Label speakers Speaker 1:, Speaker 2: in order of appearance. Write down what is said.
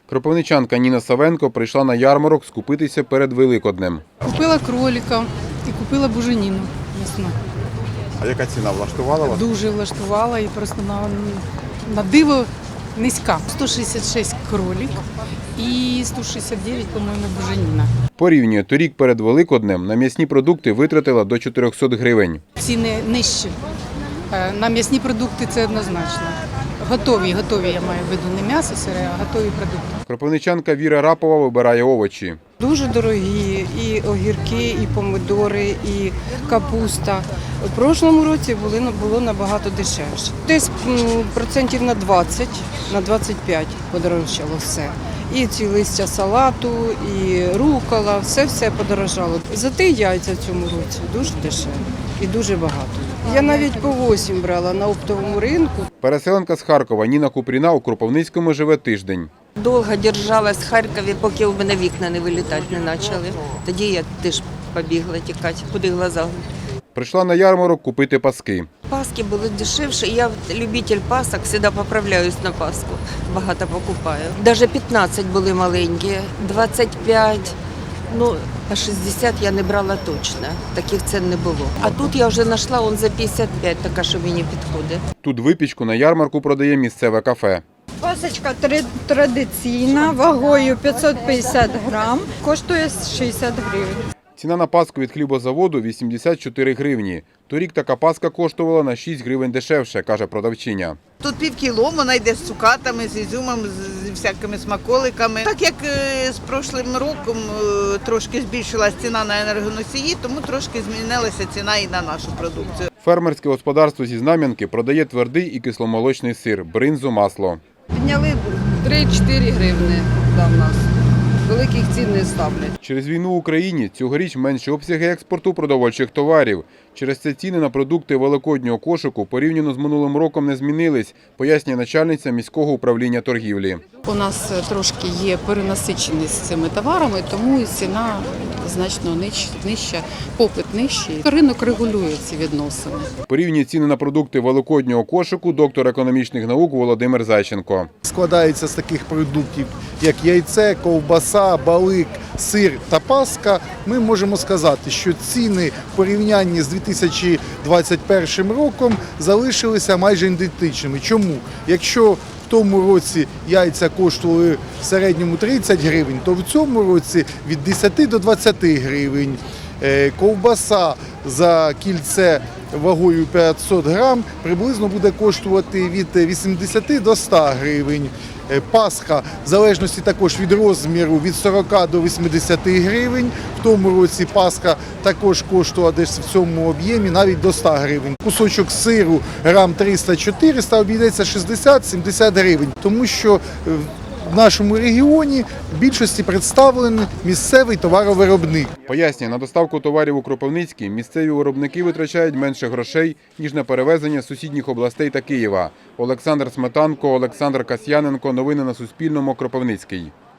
Speaker 1: Кропивничанка Ніна Савенко прийшла на ярмарок скупитися перед Великоднем.
Speaker 2: Купила кролика і купила буженіну м'ясну.
Speaker 1: А яка ціна влаштувала вас?
Speaker 2: Дуже влаштувала і просто на диво низька. 166 кролик і 169, по-моєму, буженіна.
Speaker 1: Порівнює, торік перед Великоднем на м'ясні продукти витратила до 400 гривень.
Speaker 2: Ціни нижчі. На м'ясні продукти це однозначно. Готові, я маю в виду, не м'ясо сире, а готові продукти.
Speaker 1: Кропивничанка Віра Рапова вибирає овочі.
Speaker 3: Дуже дорогі і огірки, і помидори, і капуста. У прошлому році було набагато дешевше. Десь процентів на 20, на 25 подорожчало все. І ці листя салату, і рукола, все подорожало. Зате яйця в цьому році дуже дешеві і дуже багато. Я навіть по 8 брала на оптовому ринку.
Speaker 1: Переселенка з Харкова Ніна Купріна у Кропивницькому живе тиждень.
Speaker 4: Довго держалась в Харкові, поки у мене вікна не вилітати не почали. Тоді я теж побігла тікати, куди глаза.
Speaker 1: Прийшла на ярмарок купити паски.
Speaker 4: Паски були дешевші, я любитель пасок, завжди поправляюсь на паску, багато покупаю. Навіть 15 були маленькі, 25, ну, по 60 я не брала точно, таких цін не було. А тут я вже знайшла он за 55, така, що мені підходить.
Speaker 1: Тут випічку на ярмарку продає місцеве кафе.
Speaker 5: Пасочка традиційна, вагою 550 грам, коштує 60 гривень.
Speaker 1: Ціна на паску від хлібозаводу – 84 гривні. Торік така паска коштувала на 6 гривень дешевше, каже продавчиня.
Speaker 6: Тут півкіло, вона йде з цукатами, з ізюмом, з всякими смаколиками. Так як з прошлим роком трошки збільшилась ціна на енергоносії, тому трошки змінилася ціна і на нашу продукцію.
Speaker 1: Фермерське господарство зі Знам'янки продає твердий і кисломолочний сир, бринзу, масло.
Speaker 3: Підняли 3-4 гривні в нас. Великих цін не ставлять.
Speaker 1: Через війну в Україні цьогоріч менші обсяги експорту продовольчих товарів. Через це ціни на продукти великоднього кошику порівняно з минулим роком не змінились, пояснює начальниця міського управління торгівлі.
Speaker 2: У нас трошки є перенасиченість цими товарами, тому і ціна значно нижча, попит нижчий. Ринок регулює ці відносини.
Speaker 1: Порівнює ціни на продукти великоднього кошику доктор економічних наук Володимир Зайченко.
Speaker 7: Складається з таких продуктів, як яйце, ковбаса, балик, сир та паска. Ми можемо сказати, що ціни в порівнянні з 2021 роком залишилися майже ідентичними. Чому? Якщо в тому році яйця коштували в середньому 30 гривень, то в цьому році від 10 до 20 гривень. Ковбаса за кільце вагою 500 грам приблизно буде коштувати від 80 до 100 гривень. Пасха, в залежності також від розміру, від 40 до 80 гривень. В тому році пасха також коштувала десь в цьому об'ємі навіть до 100 гривень. Кусочок сиру грам 300-400 обійдеться 60-70 гривень, тому що в нашому регіоні в більшості представлений місцевий товаровиробник.
Speaker 1: Пояснює, на доставку товарів у Кропивницький місцеві виробники витрачають менше грошей, ніж на перевезення з сусідніх областей та Києва. Олександр Сметанко, Олександр Касьяненко. Новини на Суспільному. Кропивницький.